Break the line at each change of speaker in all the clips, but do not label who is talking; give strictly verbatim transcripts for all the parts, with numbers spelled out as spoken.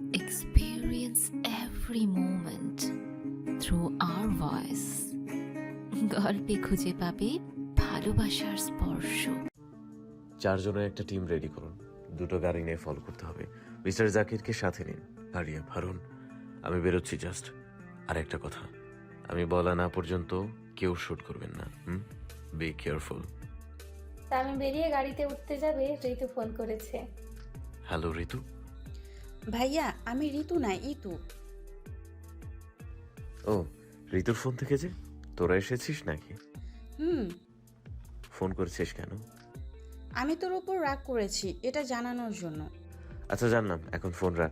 experience every moment through our voice. গল্পে খুঁজে পাবে ভালোবাসার স্পর্শ।
চারজনের একটা টিম রেডি করুন, দুটো গাড়ি নিয়ে ফলো করতে হবে। মিস্টার জাকিরকে সাথে নিন। আরিয়া, ভারুন, আমি বেরোচ্ছি জাস্ট। আর একটা কথা, আমি বলা না পর্যন্ত কেউ শুট করবেন না। হুম, বি কেয়ারফুল।
তামিম বেরিয়ে গাড়িতে উঠতে যাবে, ঋতু ফোন করেছে।
হ্যালো ঋতু।
ভাইয়া আমি ঋতু না ইতু।
ও, ঋতুর ফোন থেকে যে তোরা এসেছিস নাকি?
হুম।
ফোন করেছিস কেন?
আমি তোর উপর রাগ করেছি এটা জানানোর জন্য।
আচ্ছা জানলাম, এখন ফোন রাখ।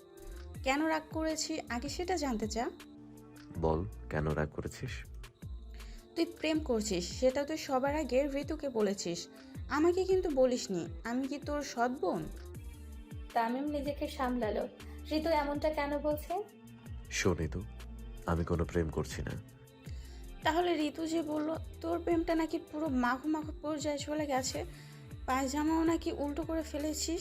কেন রাগ করেছি আগে সেটা জানতে চা?
বল, কেন রাগ করেছিস?
তুই প্রেম করছিস সেটা তুই সবার আগে ঋতুকে বলেছিস, আমাকে কিন্তু বলিসনি। আমি কি তোর সৎ বোন?
তামিম নিজেকে সামলালো। ঋতু এমনটা কেন বলছে?
শোন ঋতু, আমি কোনো প্রেম করছি না।
তাহলে ঋতু যে বলল তোর প্রেমটা নাকি পুরো মাখো মাখো পর্যায়ে চলে গেছে, পায়জামাও নাকি উল্টো করে ফেলেছিস।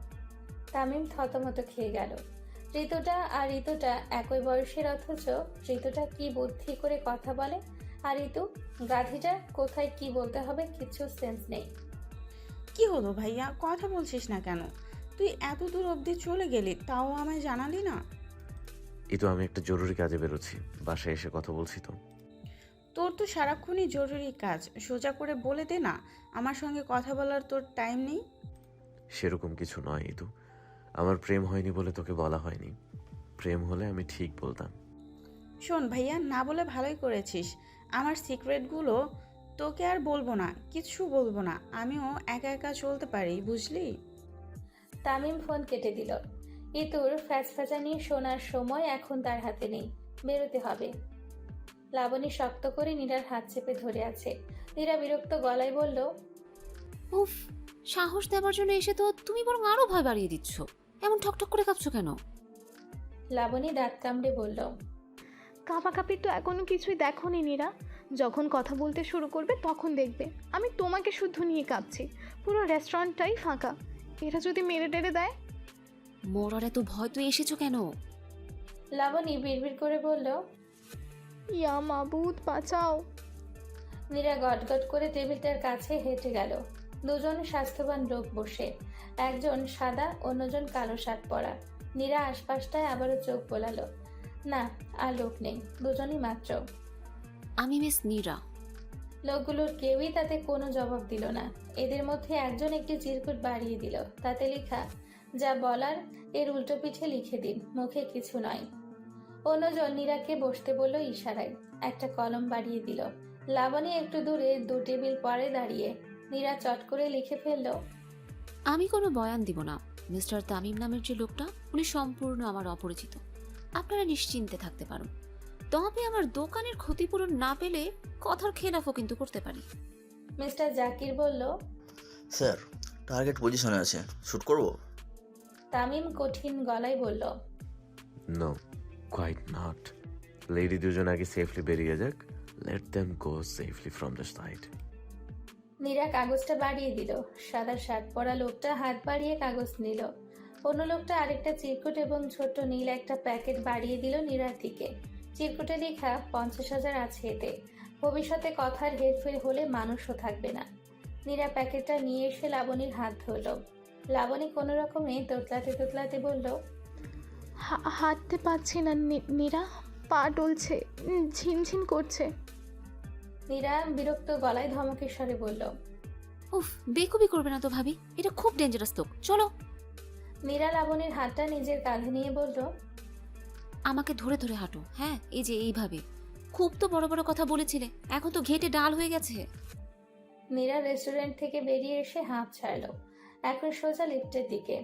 তামিম থতমত খেয়ে গেল। ঋতুটা আর ঋতুটা একই বয়সের, অথচ ঋতুটা কি বুদ্ধি করে কথা বলে, আর ঋতু গাধিটা কোথায় কি বলতে হবে কিছু সেন্স নেই।
কি হলো ভাইয়া, কথা বলছিস না কেন? তুই এত দূর অবধি চলে গেলি তাও আমায় জানালি না।
এই তো আমি একটা জরুরি কাজে বেরোচ্ছি, বাসায় এসে কথা বলছি তো।
তোর তো সারাক্ষণই জরুরি কাজ, সোজা করে বলে দে না আমার সঙ্গে কথা বলার তোর টাইম নেই।
সেরকম কিছু নয় ইতু, আমার প্রেম হয়নি বলে তোকে বলা হয়নি। প্রেম হলে আমি ঠিক বলতাম।
শোন ভাইয়া, না বলে ভালোই করেছিস। আমার সিক্রেটগুলো তোকে আর বলবো না, কিচ্ছু বলবো না। আমিও একা একা চলতে পারি, বুঝলি।
তামিম ফোন কেটে দিল। ইতুর ফ্যাচফ্যাচানি শোনার সময় এখন তার হাতে নেই, বেরোতে হবে। লাবণী শক্ত করে নীরার হাত চেপে ধরে আছে। নীরা বিরক্ত গলায় বলল,
উফ, সাহস দেওয়ার জন্য এসে তো তুমি বরং আরো ভয় বাড়িয়ে দিচ্ছ। এমন ঠকঠক করে কাঁপছো কেন?
লাবণী দাঁত কামড়ে বলল,
কাঁপাকাঁপি তো এখনো কিছুই দেখোনি নীরা। যখন কথা বলতে শুরু করবে তখন দেখবে আমি তোমাকে শুদ্ধ নিয়ে কাঁদছি। পুরো রেস্টুরেন্টটাই ফাঁকা। এরা যদি মেরে টেরে দেয়।
মরার এত ভয় তুই এসেছো কেন?
লাবণী বিড়বিড় করে বলল,
ইয়া মাবুদ বাঁচাও।
নীরা গটগট করে টেবিলটার কাছে হেঁটে গেল। দুজন স্বাস্থ্যবান লোক বসে, একজন সাদা, অন্যজন কালো শার্ট পরা। নীরা আশপাশটায় আবারও চোখ বোলালো। না, আর লোক নেই, দুজনই মাত্র।
আমি মিস নীরা।
লোকগুলোর কেউই তাতে কোনো জবাব দিল না। এদের মধ্যে একজন একটি চিরকুট বাড়িয়ে দিল, তাতে লেখা, যা বলার এর উল্টো পিঠে লিখে দিন, মুখে কিছু নয়। অন্যজন নীরাকে বসতে বলল ইশারায়, একটা কলম বাড়িয়ে দিল। লাবণী একটু দূরে দু টেবিল পরে দাঁড়িয়ে। নীরা চট করে লিখে ফেলল,
আমি কোনো বয়ান দিব না। মিস্টার তামিম নামের যে লোকটা, উনি সম্পূর্ণ আমার অপরিচিত। আপনারা নিশ্চিন্তে থাকতে পারুন। তবে আমার দোকানের ক্ষতিপূরণ না পেলে কথার খেলাফও কিন্তু করতে পারি।
মিস্টার জাকির বলল,
স্যার, টার্গেট পজিশনে আছে, শ্যুট করব?
তামিম কঠিন গলায় বলল,
নো, কোয়াইট নট। লেডি দুজন আগে সেফলি বেরিয়ে যাক, let them go safely from the side.
Neera কাগজটা বাড়িয়ে দিল। সাদা শার্ট পরা লোকটা হাত বাড়িয়ে কাগজ নিল। অন্য লোকটা আরেকটা চিরকুট এবং ছোট্ট নীল একটা প্যাকেট বাড়িয়ে দিল নীরার দিকে। চিরকুটে লেখা পঞ্চাশ হাজার আছে এতে। ভবিষ্যতে কথার হেরফের হলে মানুষও থাকবে না। নীরা প্যাকেটটা নিয়ে এসে লাবণীর হাত ধরল। লাবণী কোনো রকমে তোতলাতে তোতলাতে বলল,
হা- হাঁটতে পারছি না নী- নীরা, পা ডলছে, উম, ঝিনঝিন করছে।
নীরা বিরক্ত গলায় ধমকের স্বরে বলল।
উফ, বেকুবি করবে না তো ভাবি, এটা খুব ডেঞ্জারাস লোক। চলো।
নীরা লাবণীর হাতটা নিজের কাঁধে নিয়ে বলল,
আমাকে ধরে ধরে হাঁটো। হ্যাঁ, এই যে এইভাবে। খুব তো বড় বড় কথা বলেছিলে, এখন তো ঘেটে ডাল হয়ে গেছে।
নীরা রেস্টুরেন্ট থেকে বেরিয়ে এসে হাঁপ ছাড়ল। এখন সোজা লিফটের দিকে।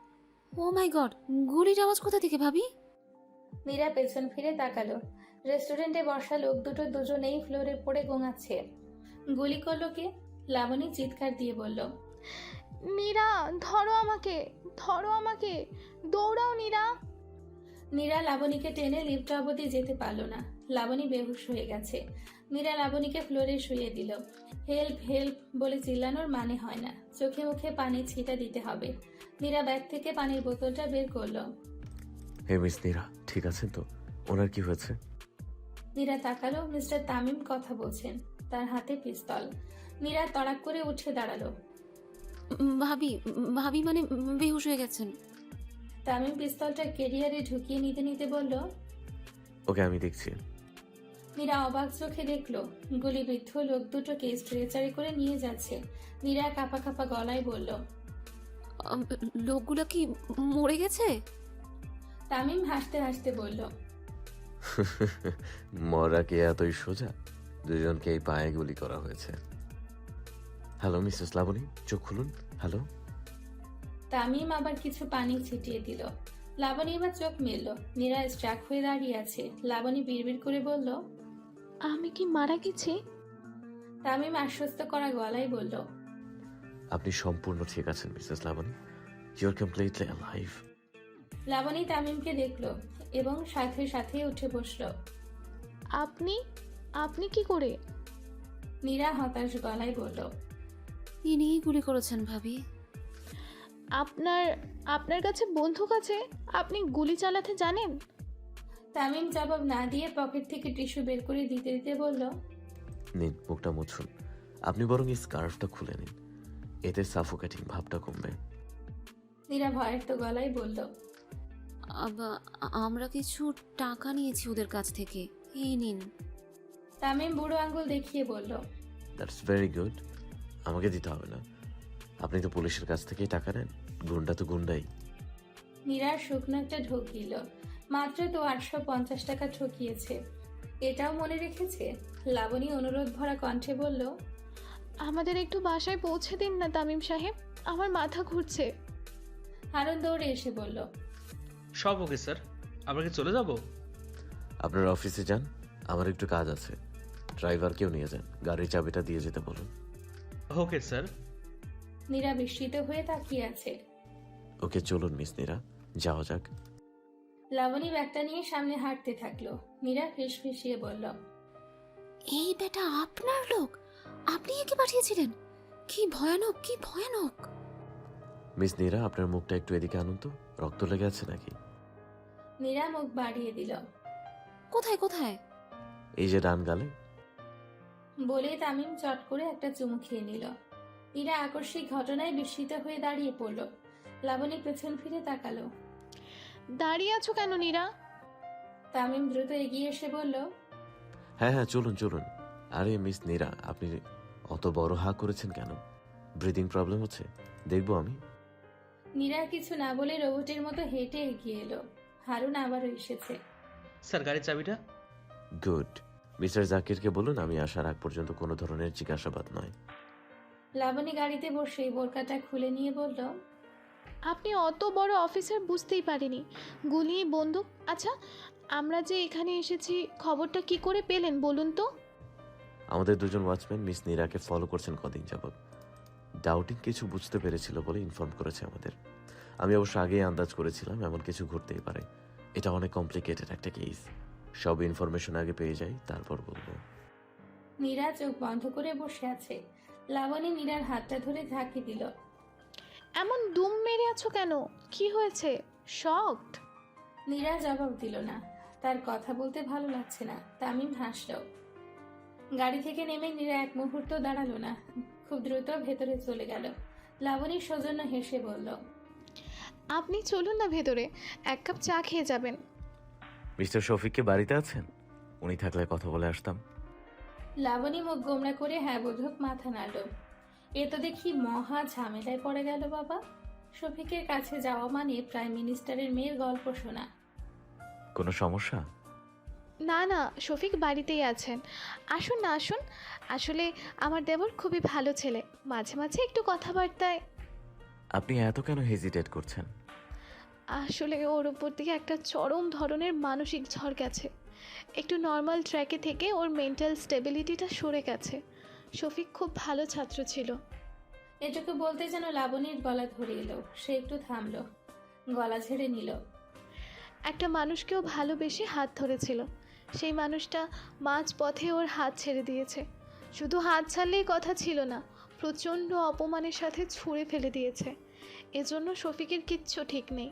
ও মাই গড, গুলির আওয়াজ কোথা থেকে ভাবি?
নীরা পেছন ফিরে তাকালো। রেস্টুরেন্টে বসা লোক দুটো দুজনেই ফ্লোরে পড়ে গোঙাচ্ছে। গুলি করলো কে? লাবণী চিৎকার দিয়ে বলল,
নীরা ধরো আমাকে, ধরো আমাকে, দৌড়াও নীরা।
নীরা লাবণীকে টেনে লিফট অবধি যেতে পারল না। লাবণী বেহুশ হয়ে গেছে। নীরা লাবণীকে ফ্লোরে শুয়ে দিল। হেল্প হেল্প বলে চিল্লানোর মানে হয় না, চোখে মুখে পানি ছিটা দিতে হবে। নীরা ব্যাগ থেকে পানির বোতলটা বের করলো।
হে মিস নীরা, ঠিক আছেন তো? ওনার কি হয়েছে?
নীরা তাকালো। মিস্টার তামিম কথা বলছেন, তার হাতে পিস্তল। নীরা তড়াক করে উঠে দাঁড়ালো।
উম, ভাবি উম, ভাবি মানে উম, বেহুশ হয়ে গেছেন।
তামিম পিস্তলটা কেরিয়ারে ঢুকিয়ে নিতে নিতে বলল।
ওকে, আমি দেখছি।
নীরা অবাক চোখে দেখলো গুলিবিদ্ধ লোক দুটোকে স্ট্রেচারে করে নিয়ে যাচ্ছে। নীরা কাঁপা কাঁপা গলায় বলল।
আম, লোকগুলো কি মরে গেছে?
তামিম হাসতে হাসতে বলল।
মরা কি এতই সোজা? দুজনকে এই পায়ে গুলি করা হয়েছে। হ্যালো মিসেস লাবণী, চোখ খুলুন। হ্যালো।
তামিম আবার কিছু পানি ছিটিয়ে দিল। লাবণী এবার চোখ মেলল। নীরা স্ট্রাক হয়ে দাঁড়িয়ে আছে। লাবণী বিড়বিড় করে বলল।
আমি কি মারা গেছি?
তামিম আশ্বস্ত করা গলায় বলল।
আপনি সম্পূর্ণ ঠিক আছেন Mrs Labani. You are completely alive.
Labani তামিমকে দেখলো এবং সাথে সাথে উঠে বসলো।
আপনি আপনি কি করে?
নীরা হতাশ গলায় বলল।
ইনিই গুলি করেছেন ভাবি।
আপনার আপনার কাছে বন্দুক আছে? আপনি গুলি চালাতে জানেন?
তামিম জবাব না দিয়ে পকেট থেকে টিস্যু বের করে দিতে দিতে বলল।
নিন, মুখটা মুছুন। আপনি বরং এই স্কার্ফটা খুলে নিন, এতে সাফোকেটিং ভাবটা কমবে।
নীরা ভয়ের তো গলায় বলল।
আবা- আমরা কিছু টাকা নিয়েছি ওদের কাছ থেকে, এই নিন।
তামিম বুড়ো আঙ্গুল দেখিয়ে বলল।
That's very good. আমাকে দিতে হবে না, আপনি তো পুলিশের কাছ থেকেই টাকা নেন। গুন্ডা তো গুন্ডাই।
নীরার শুকনো একটা ঢোক দিল। মাত্র তো আটশো পঞ্চাশ টাকা ঠকিয়েছে, এটাও মনে রেখেছে। লাবণী অনুরোধ ভরা কণ্ঠে বলল।
আমাদের একটু বাসায় পৌঁছে দিন না তামিম সাহেব, আমার মাথা ঘুরছে।
হারুন দৌড়ে এসে বলল।
সব ওকে স্যার, আমরা কি চলে যাব?
আপনার অফিসে যান, আমার একটু কাজ আছে। ড্রাইভারকেও নিয়ে যান, গাড়ির চাবিটা দিয়ে যেতে বলুন।
Okay sir.
নীরা বিস্মিত হয়ে তাকিয়ে আছে।
ওকে, চলুন মিস নীরা, যাওয়া যাক।
লাবণী ব্যাগটা নিয়ে সামনে হাঁটতে থাকলো। নীরা ফিস ফিসিয়ে বলল।
এই বেটা আপনার লোক? আপনি একে পাঠিয়েছিলেন? কি ভয়ানক, কি ভয়ানক!
মিস নীরা, আপনার মুখটা একটু এদিকে আনুন তো, রক্ত লেগে আছে নাকি?
নীরা মুখ বাড়িয়ে দিল।
কোথায় কোথায়?
এই যে ডান গালে।
বলে তামিম চট করে একটা চুমু খেয়ে নিল। নীরা আকস্মিক ঘটনায় বিস্মিত হয়ে দাঁড়িয়ে পড়ল। লাবণী পেছন ফিরে তাকালো।
দাঁড়িয়ে আছো কেন নীরা?
তামিম দ্রুত এগিয়ে এসে বলল।
হ্যাঁ হ্যাঁ, চলুন চলুন। আরে মিস নীরা, আপনি অত বড় হা করেছেন কেন? ব্রিদিং প্রবলেম হচ্ছে? দেখবো আমি।
নীরা কিছু না বলে রোবটের মতো হেঁটে এগিয়ে এলো। হারুন আবারও এসেছে।
স্যার, গাড়ির চাবিটা।
গুড। মিস্টার জাকিরকে বলুন আমি আসার আগ পর্যন্ত কোনো ধরনের জিজ্ঞাসাবাদ নয়।
লাবণী গাড়িতে বসে বোরকাটা খুলে নিয়ে বলল।
আপনি অত বড় অফিসার, বুঝতেই পারিনি। গুলি, বন্দুক। আচ্ছা, আমরা যে এখানে এসেছি খবরটা কি করে পেলেন বলুন তো?
আমাদের দুজন ওয়াচম্যান মিস নীরাকে ফলো করছেন কদিন যাবৎ। ডাউটিং কিছু বুঝতে পেরেছিল বলে ইনফর্ম করেছে আমাদের। আমি অবশ্য আগেই আন্দাজ করেছিলাম এমন কিছু ঘটতেই পারে। এটা অনেক কমপ্লিকেটেড একটা কেস। সব ইনফরমেশন আগে পেয়ে যাই, তারপর বলবো।
নীরা চোখ বন্ধ করে বসে আছে। লাবণী নীরার হাতটা ধরে ঝাঁকি দিল।
এমন দুম মেরে আছো কেন? কি হয়েছে? শকড?
নীরা জবাব দিল না। তার কথা বলতে ভালো লাগছে না। তামিম হাসল। গাড়ি থেকে নেমে নীরা এক মুহূর্ত দাঁড়ালো না, খুব দ্রুত ভেতরে চলে গেল। লাবণী সৌজন্য হেসে বলল।
আপনি চলুন না ভেতরে, এক কাপ চা খেয়ে যাবেন।
মিস্টার শফিককে বাড়িতে আছেন? উনি থাকলে কথা বলে আসতাম।
লাবণী মুখ গোমরা করে হ্যাঁ বোধক মাথা নাড়ল। এ তো দেখি মহা ঝামেলায় পড়ে গেল বাবা। শফিকের কাছে যাওয়া মানে প্রাইম মিনিস্টারের মেয়ের গল্প শোনা।
কোনো সমস্যা?
না না, শফিক বাড়িতেই আছেন। আসুন না আসুন। আসলে আমার দেবর খুবই ভালো ছেলে, মাঝে মাঝে একটু কথাবার্তায়।
আপনি এত কেন হেজিটেট করছেন?
আসলে ওর উপর থেকে একটা চরম ধরনের মানসিক ঝড় গেছে। একটু নর্মাল ট্র্যাকে থেকে ওর মেন্টাল স্টেবিলিটিটা সরে গেছে। শফিক খুব ভালো ছাত্র ছিল।
এটুকু বলতে যেন লাবণীর গলা ধরে এলো। সে একটু থামলো, গলা ঝেড়ে নিল।
একটা মানুষকেও ভালোবেসে হাত ধরেছিল, সেই মানুষটা মাঝ পথে ওর হাত ছেড়ে দিয়েছে। শুধু হাত ছাড়লেই কথা ছিল না, প্রচণ্ড অপমানের সাথে ছুঁড়ে ফেলে দিয়েছে। এজন্য শফিকের কিচ্ছু ঠিক নেই।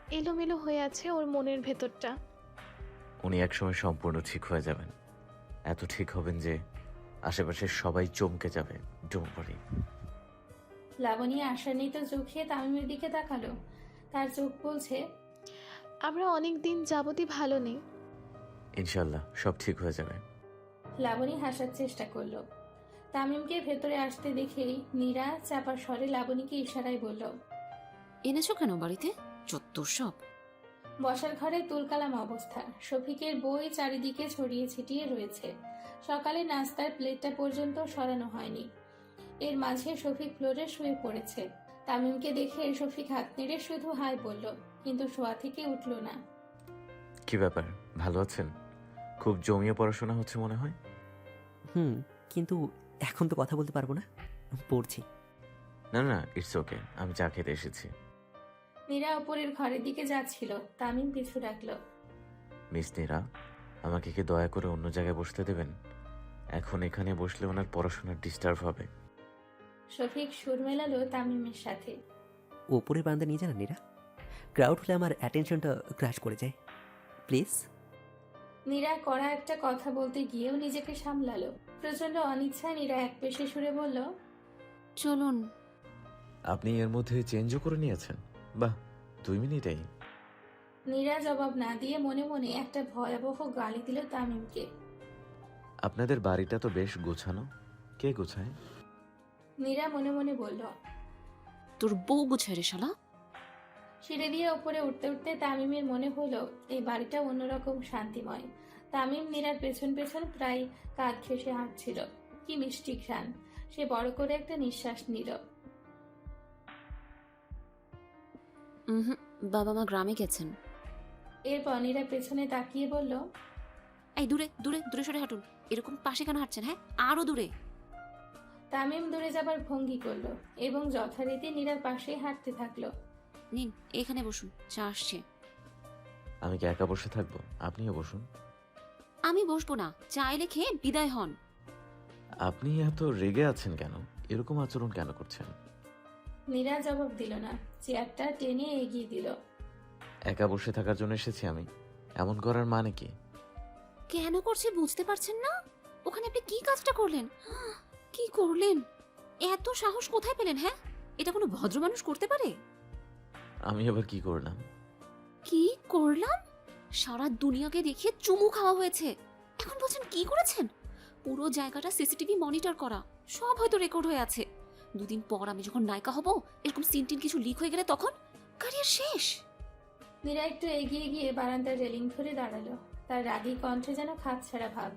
এলোমেলো হয়ে আছে ওর মনের ভেতরটা।
উনি একসময় সম্পূর্ণ ঠিক হয়ে যাবেন, এত ঠিক হবেন যে আশেপাশের সবাই চমকে যাবে। Don't worry.
লাবণী আশান্বিত চোখে তামিমের দিকে তাকালো। তার চোখ বলছে,
আমরা অনেক দিন যাবতই ভালো নেই।
ইনশাল্লাহ সব ঠিক হয়ে যাবে।
লাবণী হাসার চেষ্টা করলো। তামিমকে ভেতরে আসতে দেখেই নীরা চাপা স্বরে লাবণীকে ইশারায় বলল।
এনেছো কেন বাড়িতে? চত্বর সব।
বসার ঘরে তুলকালাম অবস্থা। শফিকের বই চারিদিকে ছড়িয়ে ছিটিয়ে রয়েছে। সকালে নাস্তার প্লেটটা পর্যন্ত সরানো হয়নি। এর মাঝে শফিক ফ্লোরে শুয়ে পড়েছে। তামিমকে দেখে শফিক হাত নেড়ে শুধু হাই বলল, কিন্তু শোয়া থেকে উঠল না।
কি ব্যাপার, ভালো আছেন? খুব জমিয়ে পড়াশোনা হচ্ছে মনে হয়।
হুম, কিন্তু এখন তো কথা বলতে পারবো না, পড়ছি।
না না, ইটস ওকে, আমি চা খেতে এসেছি।
নীরা ওপরের ঘরের দিকে যাচ্ছিল। তামিম পিছু ডাকলো।
মিস নীরা, আমাকে কি দয়া করে অন্য জায়গায় বসতে দেবেন? এখন এখানে বসলে ওনার পড়াশোনার ডিস্টার্ব হবে।
শফিক সুর মেলালো তামিমের সাথে।
ওপরের বারান্দা নিয়ে যান নীরা, ক্রাউড হলে আমার অ্যাটেনশনটা ক্র্যাশ করে যায়, প্লিজ।
নীরা কড়া একটা কথা বলতে গিয়েও নিজেকে সামলালো। প্রচন্ড অনিচ্ছায় নীরা এক পেশে সুরে বলল,
চলুন।
আপনি এর মধ্যে চেঞ্জও করে নিয়েছেন? বাহ, দুই মিনিটেই।
নীরা জবাব না দিয়ে মনে মনে একটা ভয়াবহ গালি দিল তামিমকে।
আপনাদের বাড়িটা তো বেশ গোছানো, কে গোছায়?
নীরা মনে মনে বলল।
তোর বউ গুছায় রে শালা।
সিঁড়ি দিয়ে ওপরে উঠতে উঠতে তামিমের মনে হলো এই বাড়িটা অন্যরকম শান্তিময়। তামিম নীরার পেছন পেছন প্রায় কাঁধ ঘেঁষে হাঁটছিল। কি মিষ্টি ঘ্রাণ। সে বড় করে একটা নিঃশ্বাস নিল।
হুম, বাবা মা গ্রামে গেছেন।
এরপর নীরা পেছনে তাকিয়ে বলল,
এই দূরে দূরে দূরে সরে হাঁটুন। এরকম পাশে কেন হাঁটছেন? হ্যাঁ, আরো দূরে।
তামিম দূরে যাবার ভঙ্গি করলো এবং যথারীতি নীরার পাশেই হাঁটতে থাকলো।
নিন, এখানে বসুন, চা আসছে।
আমি কি একা বসে থাকবো? আপনিও বসুন।
আমি বসবো না, চা এলে খেয়ে বিদায় হন।
আপনি এত রেগে আছেন কেন? এরকম আচরণ কেন করছেন?
নীরা জবাব দিল না, চেয়ারটা টেনে এগিয়ে দিল।
একা বসে থাকার জন্য এসেছি আমি, এমন করার মানে কি?
কেন করছে বুঝতে পারছেন না? ওখানে আপনি কি কাজটা করলেন? কি করলেন? এত সাহস কোথায় পেলেন? হ্যাঁ, এটা কোনো ভদ্র মানুষ করতে পারে?
আমি আবার কি করলাম?
কি করলাম? সারা দুনিয়াকে দেখিয়ে চুমু খাওয়া হয়েছে, এখন বলছেন কি করেছেন? পুরো জায়গাটা সিসিটিভি মনিটর করা, সব হয়তো রেকর্ড হয়ে আছে। দুদিন পর আমি যখন নায়িকা হব, এরকম সিনটিন কিছু লিক হয়ে গেলে তখন ক্যারিয়ার শেষ।
নীরা একটু এগিয়ে গিয়ে বারান্দার রেলিং ধরে দাঁড়ালো। তার রাগী কণ্ঠে যেন খাপছাড়া ভাব।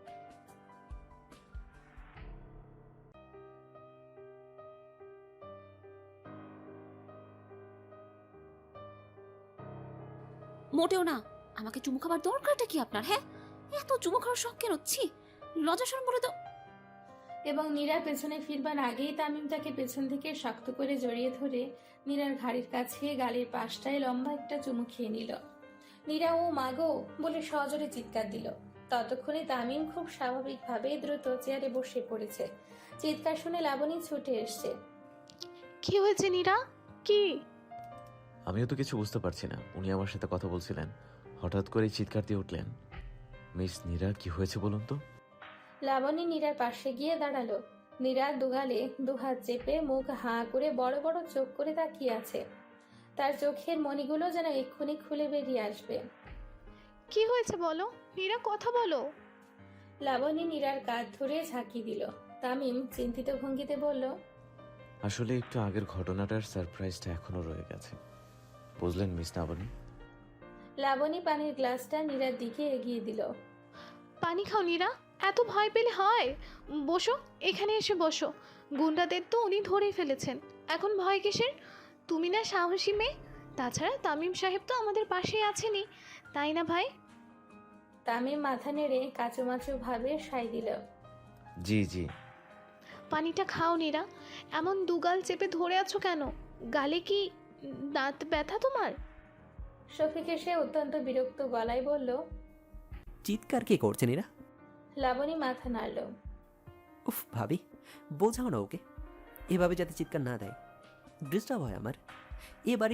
মোটেও না। আমাকে চুমু খাবার দরকারটা কি আপনার? হ্যাঁ, এত চুমু খাওয়ার শখ কেন? ছি, লজ্জা শরম বলে তো।
এবং নীরা পেছনে ফিরবার আগেই তামিম তাকে পেছন থেকে শক্ত করে জড়িয়ে ধরে নীরার ঘাড়ির কাছে গালের পাশটায় লম্বা একটা চুমু খেয়ে নিল। নীরা ও মাগো বলে সজোরে চিৎকার দিল। ততক্ষণে তামিম খুব স্বাভাবিকভাবে দ্রুত চেয়ারে বসে পড়েছে। চিৎকার শুনে লাবণী ছুটে এসছে।
কি হয়েছে নীরা? কি?
আমিও তো কিছু বুঝতে পারছি না। উনি আমার সাথে কথা বলছিলেন, হঠাৎ করে চিৎকার দিয়ে উঠলেন। মিস নীরা, কি হয়েছে বলুন তো?
লাবণী নীরার পাশে গিয়ে দাঁড়ালো। নীরা দুগালে দুহাত চেপে মুখ হাঁ করে বড় বড় চোখ করে তাকিয়ে আছে। তার চোখের মণিগুলো যেন এক্ষুনি খুলে বেরিয়ে আসবে।
কি হয়েছে বলো নীরা, কথা বলো।
লাবণী নীরার কাঁধ ধরে ঝাঁকি দিল। তামিম চিন্তিত ভঙ্গিতে বলল,
আসলে একটু আগের ঘটনাটার সারপ্রাইজটা এখনো রয়ে গেছে, বুঝলেন মিস লাবণী?
লাবণী পানির গ্লাসটা নীরার দিকে এগিয়ে দিল।
পানি খাও নীরা, এত ভয় পেলে হয়? বসো, এখানে এসে বসো। গুন্ডাদের তো উনি ধরেই ফেলেছেন, এখন ভয় কিসের? তুমি না সাহসী মেয়ে, তাছাড়া তামিম সাহেব তো আমাদের পাশেই আছেনই, তাই না ভাই?
তামিম মাথা নেড়ে কাচুমাচু ভাবে সাই দিল।
জি জি।
পানিটা খাও নীরা, এমন দুগাল চেপে ধরে আছো কেন? গালে কি দাঁত ব্যথা তোমার?
শফিক এসে অত্যন্ত বিরক্ত গলায় বলল।
চিৎকার কে করছেন এরা?
লাবণী মাথা নাড়ল।
উফ ভাবি, বোঝাও না ওকে, এভাবে যাতে চিৎকার না দেয়, ডিস্টার্ব হয় আমার। এ বাড়িতে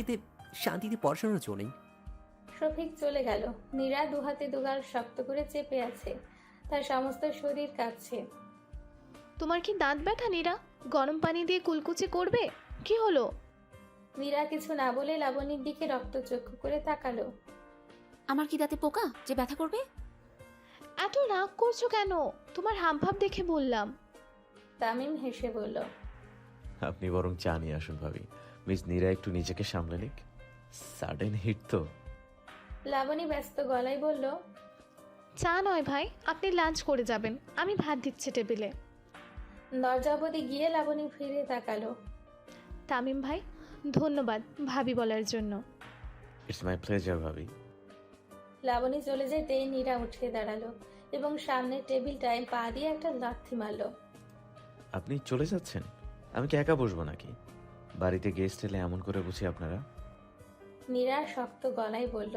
শান্তিতে পড়াশোনার জো নেই।
শফিক চলে গেল। নীরা দুহাতে দুগাল শক্ত করে চেপে আছে, তার সমস্ত শরীর কাঁপছে।
তোমার কি দাঁত ব্যথা নীরা? গরম পানি দিয়ে কুলকুচি করবে? কি হলো?
নীরা কিছু না বলে লাবণীর দিকে রক্তচক্ষু করে তাকালো।
আমার কি দাঁতে পোকা যে ব্যথা করবে?
এত রাগ করছো কেন? তোমার হাবভাব দেখে বললাম।
তামিম হেসে বলল,
আপনি বরং চা নিয়ে আসুন ভাবি। মিস নীরা একটু নিজেকে সামলে নিক। সাডেন হিট তো।
লাবণী ব্যস্ত গলায় বলল,
চা নয় ভাই, আপনি লাঞ্চ করে যাবেন, আমি ভাত দিচ্ছি টেবিলে।
দরজা অবধি গিয়ে লাবণী ফিরে তাকালো।
তামিম ভাই, ধন্যবাদ ভাবি বলার জন্য।
ইটস মাই প্লেজার ভাবি।
লাবণী চলে যেতেই নীরা উঠে দাঁড়ালো এবং সামনের টেবিলটায় পা দিয়ে একটা লাথি মারলো।
আপনি চলে যাচ্ছেন? আমি কি একা বসবো নাকি? বাড়িতে গেস্ট এলে এমন করে বুঝি আপনারা?
নীরা শক্ত গলায় বলল,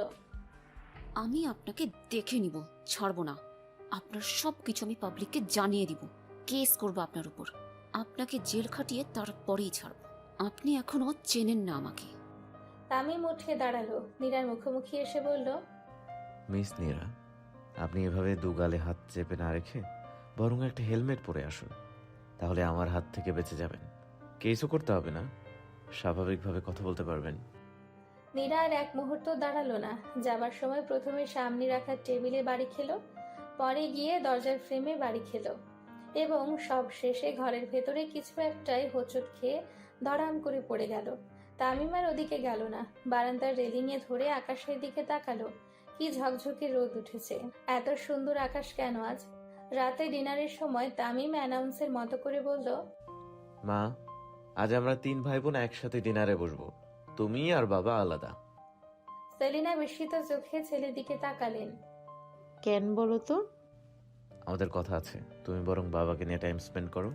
আমি আপনাকে দেখে নিব, ছাড়বো না। আপনার সব কিছু আমি পাবলিককে জানিয়ে দিব, কেস করবো আপনার উপর। আপনাকে জেল খাটিয়ে তারপরেই ছাড়বো। আপনি এখনো চেনেন না আমাকে।
তামিম উঠে দাঁড়ালো, নীরার মুখোমুখি এসে বলল,
মিস নীরা, আপনি এভাবে দুগালে হাত চেপে না রেখে বরং একটা হেলমেট পরে আসুন, তাহলে আমার হাত থেকে বেঁচে যাবেন। কেসও করতে হবে না, স্বাভাবিকভাবে কথা বলতে পারবেন।
নীরা আর এক মুহূর্ত দাঁড়ালো না। যাবার সময় প্রথমে সামনে রাখা টেবিলে বাড়ি খেলো, পরে গিয়ে দরজার ফ্রেমে বাড়ি খেলো এবং সব শেষে ঘরের ভেতরে কিছু একটাই হোঁচট খেয়ে ধড়াম করে পড়ে গেল। তামিম আর ওদিকে গেল না, বারান্দার রেলিংয়ে ধরে আকাশের দিকে তাকালো। কি ঝকঝকে রোদ উঠেছে, এত সুন্দর আকাশ কেন আজ? রাতে ডিনারের সময় তামিম অ্যানাউন্সের মতো করে বলল,
মা, আজ আমরা তিন ভাই বোন একসাথে ডিনারে বসবো, তুমি আর বাবা আলাদা।
সেলিনা বিস্মিত চোখে ছেলের দিকে তাকালেন।
কেন বলো তো?
আমাদের কথা আছে, তুমি বরং বাবাকে নিয়ে টাইম স্পেন্ড করো।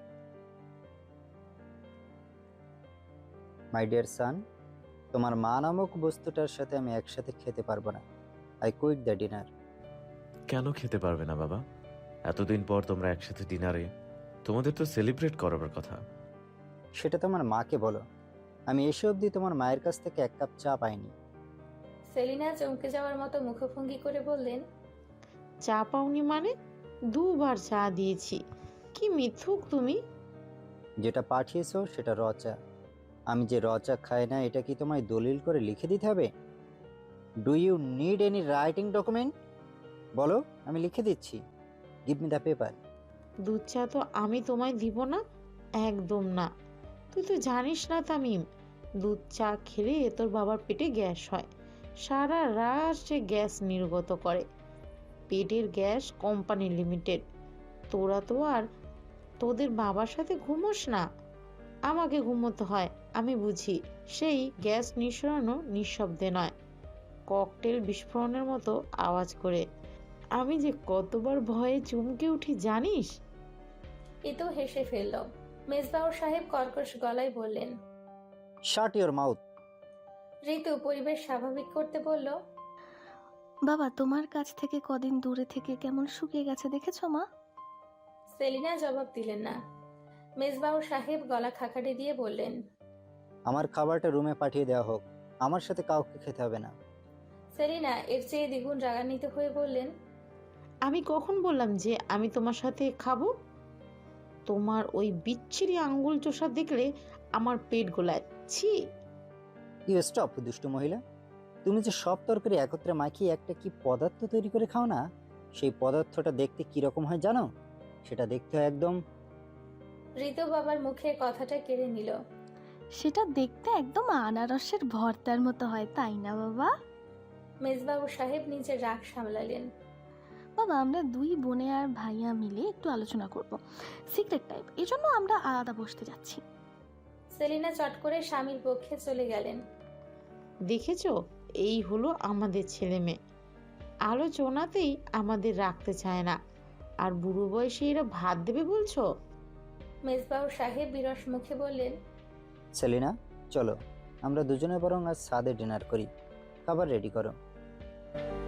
মাই ডিয়ার সান, তোমার মা নামক বস্তুটার সাথে আমি একসাথে খেতে পারবো না। I quit the dinner.
কেন খেতে পারবে না বাবা? এতদিন পর তোমরা একসাথে ডিনারে, তোমাদের তো সেলিব্রেট করার কথা।
সেটা তোমার মাকে বলো। আমি এসে অবধি তোমার মায়ের কাছ থেকে এক কাপ চা পাইনি।
সেলিনা চমকে যাওয়ার মতো মুখভঙ্গি করে বললেন,
চা পাওনি মানে? দুবার চা দিয়েছি। কি মিথ্যুক তুমি!
যেটা পাঠিয়েছো সেটা র চা। আমি যে র চা খাই না এটা কি তোমায় দলিল করে লিখে দিতে হবে? Do you need any writing document? বলো, আমি লিখে দিচ্ছি। Give me the paper.
দুধ চা তো আমি তোমায় দিব না, একদম না। তুই তো জানিস না তামিম, দুধ চা খেলে তোর বাবার পেটে গ্যাস হয়, সারা রাত সে গ্যাস নির্গত করে। পেটের গ্যাস কোম্পানি লিমিটেড। তোরা তো আর তোদের বাবার সাথে ঘুমোস না, আমাকে ঘুমোতে হয়। আমি বুঝি, সেই গ্যাস নিঃসরানো নিঃশব্দে নয়, ককটেল বিস্ফোরণের মতো আওয়াজ করে। আমি যে কতবার ভয়ে চমকে উঠি জানিস?
ইতু হেসে ফেলল। মেজবাউর সাহেব কর্কশ গলায় বললেন,
শাট ইওর মাউথ।
ঋতু পরিবেশ স্বাভাবিক করতে বলল,
বাবা তোমার কাছ থেকে কদিন দূরে থেকে কেমন শুকিয়ে গেছে দেখেছো মা?
সেলিনা জবাব দিলেন না। মেজবাউর সাহেব গলা খাকাড়ি দিয়ে বললেন,
আমার খাবারটা রুমে পাঠিয়ে দেওয়া হোক, আমার সাথে কাউকে খেতে হবে না।
সেলিনা এর চেয়ে দ্বিগুণ রাগান্বিত হয়ে বললেন,
আমি কখন বললাম যে আমি তোমার সাথে খাবো? তোমার ওই বিচ্ছিরি আঙ্গুল চোষা দেখলে আমার পেট গোলায়। ছি!
ইউ স্টপ দুষ্টু মহিলা। তুমি যে সব তরকারি একত্রে মাখিয়ে একটা কি পদার্থ তৈরি করে খাও না, সেই পদার্থটা দেখতে কি রকম হয় জানো? সেটা দেখতে হয় একদম।
ঋতু বাবার মুখে কথাটা কেড়ে নিল।
সেটা দেখতে একদম আনারসের ভর্তার মতো হয়, তাই না বাবা?
মেজবাবু সাহেব নিজের রাগ সামলালেন।
বাবা আমরা দুই বোনে আর ভাইয়া মিলে একটু আলোচনা করব, সিক্রেট টাইপ, এজন্য আমরা আলাদা বসতে যাচ্ছি।
সেলিনা চট করে স্বামীর পক্ষে চলে গেলেন।
দেখেছো, এই হলো আমাদের ছেলে মেয়ে, আলোচনাতেই আমাদের রাখতে চায় না, আর বুড়ো বয়সে এরা ভাত দেবে বলছো?
মেজবাউর সাহেব বিরস মুখে বললেন,
সেলিনা, চলো আমরা দুজনে বরং আজ সাদে ডিনার করি। খাবার রেডি করো।